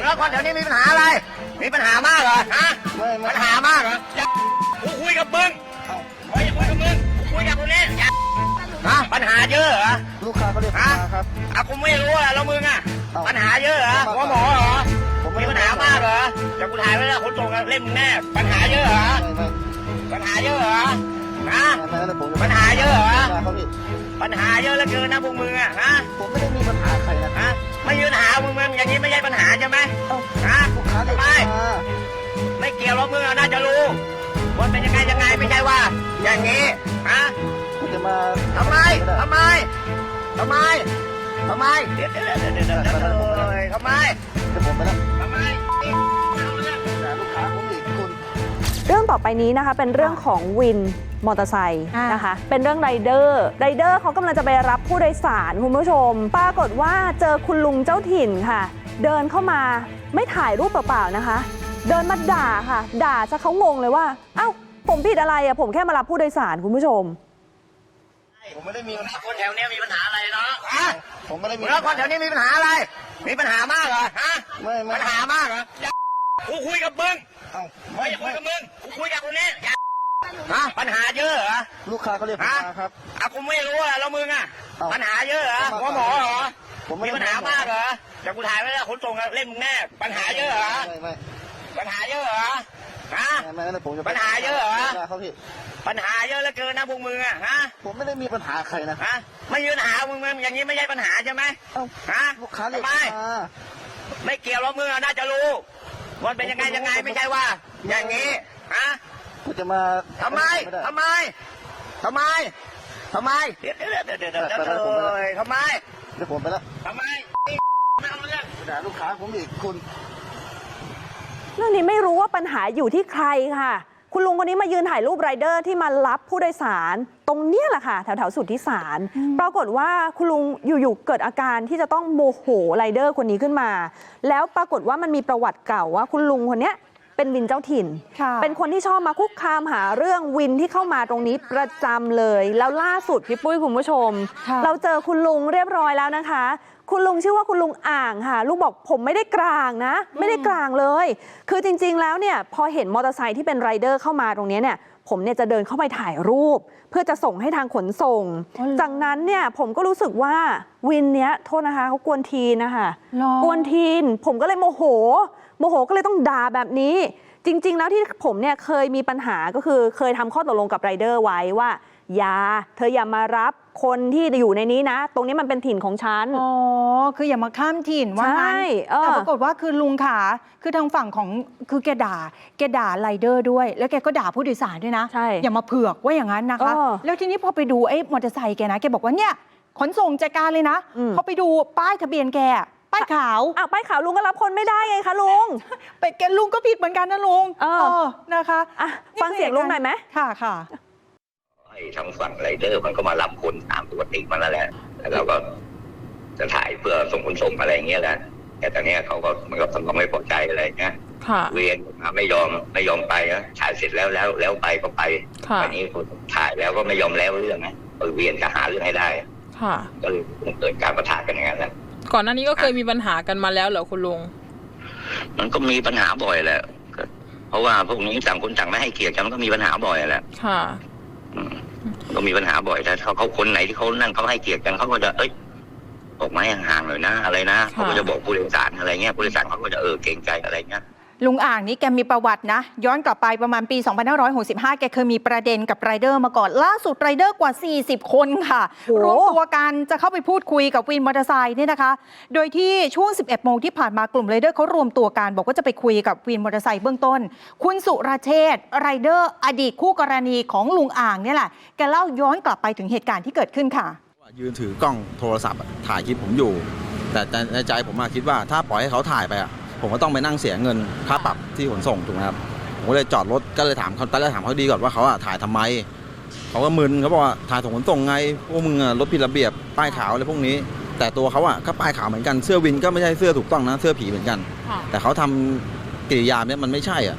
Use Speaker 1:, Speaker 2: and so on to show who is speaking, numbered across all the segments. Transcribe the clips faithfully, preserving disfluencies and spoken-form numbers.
Speaker 1: แล้วคนแถวนี้มีปัญหาอะไรมีปัญหามากเหรอฮะปัญหามากเหรอกูคุยกับมึงเฮ้ยคุยกับมึงคุยกับคนนี้ฮะปัญหาเยอะเหรอ
Speaker 2: ลูกค้าเขาเรียกปัญหาครับ
Speaker 1: อ่ะกูไม่รู้อ่ะแล้วมึงอ่ะปัญหาเยอะเหรอหัวหมอเหรอมีปัญหามากเหรอจะกูถ่ายไว้แล้วคนส่งเล่มแน่ปัญหาเยอะเหรอปัญหาเยอะเหรอฮะปัญหาเยอะเหรอปัญหาเยอะเหลือเกินนะพวกมึงอ่ะฮะ
Speaker 2: ผมไม่ได้มีปัญหาใครนะ
Speaker 1: ฮะไม่มีปัญหามึงมึงอย่างนี้ไม่ใช่ปัญหาใช่ไหมฮะทำไมไม่เกี่ยวหรอกมึงน่าจะรู้ว่าเป็นยังไงยังไงไม่ใช่ว่าอย่างนี้ฮะ
Speaker 2: จะมา
Speaker 1: ทำไมทำไมทำไมทำไมเดี๋ยวเดี๋ยวเดี๋ยวเดี๋ยวเดี๋ยวทำไม
Speaker 2: จะผมไปแล้ว
Speaker 1: ทำไม
Speaker 2: ลูกค้าผมอีกคุณ
Speaker 3: เรื่องต่อไปนี้นะคะเป็นเรื่องของวินมอเตอร์ไซค์นะคะเป็นเรื่องไรเดอร์ไรเดอร์เขากำลังจะไปรับผู้โดยสารคุณผู้ชมปรากฏว่าเจอคุณลุงเจ้าถิ่นค่ะเดินเข้ามาไม่ถ่ายรูปเปล่าๆนะคะเดินมาด่าค่ะด่าซะเขางงเลยว่าเอ้าผมผิดอะไรอ่ะผมแค่มารับผู้โดยสารคุณผู้ชม
Speaker 2: ผมไม่ได้มี
Speaker 1: คนแถวนี้มีปัญหาอะไรเนาะ
Speaker 2: ผมไม่ได้มี
Speaker 1: แล้วคนแถวนี้มีปัญหาอะไรมีปัญหามากเหรอฮะ
Speaker 2: ไม่
Speaker 1: ปัญหามากเหรอกูคุยกับมึงไม่คุยกับมึงกูคุยกับคนนี้ฮะปัญหาเยอะเหรอ
Speaker 2: ลูกค้าเขาเรียกปัญหาครับ
Speaker 1: อ่ะกูไม่รู้อ่ะแล้วมึงอ่ะปัญหาเยอะเหรอหัวหมอเหรอมีปัญหามากเหรอจะกูถ่ายไว้แล้วคนส่งเล่มแน่ปัญหาเยอะเหรอปัญหาเยอะเหรอฮะปัญหาเยอะเหรอปัญหาเยอะเหลือเกินนะพวกมึงอ่ะฮะ
Speaker 2: ผมไม่ได้มีปัญหาใครนะ
Speaker 1: ฮะไม่มีปัญหามึงมึงอย่างนี้ไม่ใช่ปัญหาใช่ไหมฮะ
Speaker 2: ลูกค้าเรียก
Speaker 1: ทำไมไม่เกี่ยวหรอกมึงน่าจะรู้ว่าเป็นยังไงยังไงไม่ใช่ว่าอย่างนี้ฮะ
Speaker 2: กูจะมา
Speaker 1: ทำไมทำไมทำไมทำไมเดี๋ยวเดี๋ยวเดี๋ยวเดี๋ยวเดี๋ยวทำไม
Speaker 2: เดี๋ยวผมไปแล้ว
Speaker 1: ทำไมไม่เอาเรื่อง
Speaker 2: ด่าลูกค้าผมอีกคุณ
Speaker 3: เรื่องนี้ไม่รู้ว่าปัญหาอยู่ที่ใครค่ะคุณลุงคนนี้มายืนถ่ายรูปไรเดอร์ที่มารับผู้โดยสารตรงเนี้ยแหละค่ะแถวแถวสุทธิสารปรากฏว่าคุณลุงอยู่ๆเกิดอาการที่จะต้องโมโหไรเดอร์คนนี้ขึ้นมาแล้วปรากฏว่ามันมีประวัติเก่าว่าคุณลุงคนนี้เป็นวินเจ้าถิ่นเป็นคนที่ชอบมาคุกคามหาเรื่องวินที่เข้ามาตรงนี้ประจำเลยแล้วล่าสุดพี่ปุ้ยคุณผู้ชมเราเจอคุณลุงเรียบร้อยแล้วนะคะคุณลุงชื่อว่าคุณลุงอ่างค่ะลุงบอกผมไม่ได้กลางนะไม่ได้กลางเลยคือจริงๆแล้วเนี่ยพอเห็นมอเตอร์ไซค์ที่เป็นไรเดอร์เข้ามาตรงนี้เนี่ยผมเนี่ยจะเดินเข้าไปถ่ายรูปเพื่อจะส่งให้ทางขนส่งจากนั้นเนี่ยผมก็รู้สึกว่าวินเนี้ยโทษนะคะเขากวนทีนนะคะกวนทีนผมก็เลยโมโหโมโหก็เลยต้องด่าแบบนี้จริงๆแล้วที่ผมเนี่ยเคยมีปัญหาก็คือเคยทำข้อตกลงกับไรเดอร์ไว้ว่าอย่าเธออย่ามารับคนที่อยู่ในนี้นะตรงนี้มันเป็นถิ่นของฉัน
Speaker 4: อ๋อคืออย่ามาข้ามถิ่นว่างั้นแต่ปรากฏว่าคือลุงขาคือทางฝั่งของคือแกด่าแกด่าไรเดอร์ด้วยแล้วแกก็ด่าผู้โดยสารด้วยนะอย่ามาเผือกว่าอย่างนั้นนะคะแล้วทีนี้พอไปดูไอ้มอเตอร์ไซค์แกนะแกบอกว่าเนี่ยขนส่งจัดการเลยนะพอไปดูป้ายทะเบียนแกป้ายขาว
Speaker 3: อ้าวป้ายขาวลุงก็รับคนไม่ได้ไงคะลุง
Speaker 4: ไปแกลุงก็ผิดเหมือนกันนะลุงเออนะคะ
Speaker 3: ฟังเสียงลุงหน่อยไหม
Speaker 4: ค่ะค่ะ
Speaker 1: ทางฝั่งไรเดอร์มันก็มารับคนตามปกติมันแล้วแหละแล้วเราก็จะถ่ายเพื่อส่งคนส่งอะไรอย่างเงี้ยแหละแต่ตอนนี้เขาก็มันก็ทำความไม่พอใจอะไรเงี้ยเวียนมาไม่ยอมไม่ยอมไปนะถ่ายเสร็จแล้วแล้วแล้วไปก็ไปวันนี้คนถ่ายแล้วก็ไม่ยอมแล้วเรื่องนะเวียนจะหาเรื่องให้ได้ก็เลยเกิดการประทะกันอย่างนั้นแหละ
Speaker 5: ก่อนหน้านี้ก็เคยมีปัญหากันมาแล้วเหรอคุณลุง
Speaker 1: มันก็มีปัญหาบ่อยแหละเพราะว่าพวกนี้ต่างคนต่างไม่ให้เกียรติกันมันก็มีปัญหาบ่อยแหละ
Speaker 5: ค่ะ
Speaker 1: ก็มีปัญหาบ่อยแต่เขาเขาคนไหนที่เขานั่นเขาให้เกียรติกันเขาก็จะเอ้ยออกมาห่างๆหน่อยนะอะไรนะเขาก็จะบอกผู้โดยสารอะไรเงี้ยผู้โดยสารเขาก็จะเออเกรงใจอะไรเงี้ย
Speaker 4: ลุงอ่างนี้แกมีประวัตินะย้อนกลับไปประมาณปีสองพันห้าร้อยหกสิบห้าแกเคยมีประเด็นกับไรเดอร์มาก่อนล่าสุดไรเดอร์กว่าสี่สิบคนค่ะรวมตัวกันจะเข้าไปพูดคุยกับวินมอเตอร์ไซค์นี่นะคะโดยที่ช่วงสิบเอ็ดโมงที่ผ่านมากลุ่มไรเดอร์เขารวมตัวกันบอกว่าจะไปคุยกับวินมอเตอร์ไซค์เบื้องต้นคุณสุรเชษฐ์ไรเดอร์อดีตคู่กรณีของลุงอ่างนี่แหละแกเล่าย้อนกลับไปถึงเหตุการณ์ที่เกิดขึ้นค่ะ
Speaker 2: ยืนถือกล้องโทรศัพท์ถ่ายคลิปผมอยู่แต่ในใจผมคิดว่าถ้าปล่อยให้เขาถ่ายไปผมก็ต้องไปนั่งเสียเงินค่าปรับที่ขนส่งถูกไหมครับผมก็เลยจอดรถก็เลยถามเขาตอนแรกถามเขาดีก่อนว่าเขาถ่ายทำไมเขาก็มึนเขาบอกว่าถ่ายส่งขนส่งไงพวกมึงรถผิดระเบียบป้ายขาวอะไรพวกนี้แต่ตัวเขาอ่ะก็ป้ายขาวเหมือนกันเสื้อวินก็ไม่ใช่เสื้อถูกต้องนะเสื้อผีเหมือนกันแต่เขาทำกิริยาเนี้ยมันไม่ใช่อ่ะ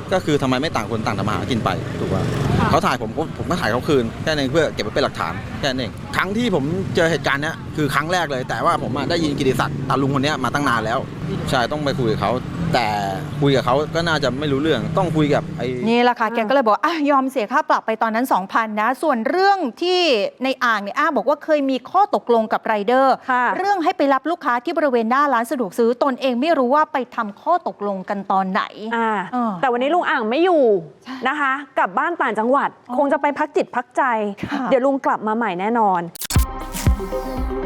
Speaker 2: ก็คือทำไมไม่ต่างคนต่างทำมาหากินไปถูกป่ะเขาถ่ายผมก็ผมก็ถ่ายเขาคืนแค่นั้นเองเพื่อเก็บไว้เป็นหลักฐานแค่นั้นเองครั้งที่ผมเจอเหตุการณ์เนี้ยคือครั้งแรกเลยแต่ว่าผมอะได้ยินกิติศักดิ์ตาลุงคนเนี้ยมาตั้งนานแล้วใช่ต้องไปคุยกับเขาแต่คุยกับเขาก็น่าจะไม่รู้เรื่องต้องคุยกับไอ้
Speaker 4: นี่แหละค่ะแกก็เลยบอกอ่ะยอมเสียค่าปรับไปตอนนั้น สองพัน นะ ส่วนเรื่องที่ในอ่างเนี่ยอ้างบอกว่าเคยมีข้อตกลงกับไรเดอร์
Speaker 3: ค่ะ
Speaker 4: เรื่องให้ไปรับลูกค้าที่บริเวณหน้าร้านสะดวกซื้อตนเองไม่รู้ว่าไปทำข้อตกลงกันตอนไหน
Speaker 3: อ่า
Speaker 4: เออ
Speaker 3: แต่วันนี้ลุงอ่างไม่อยู่นะคะกลับบ้านต่างจังหวัด
Speaker 4: อ๋อ
Speaker 3: คงจะไปพักจิตพักใจ
Speaker 4: ค่ะ
Speaker 3: เดี๋ยวลุงกลับมาใหม่แน่นอน
Speaker 4: เ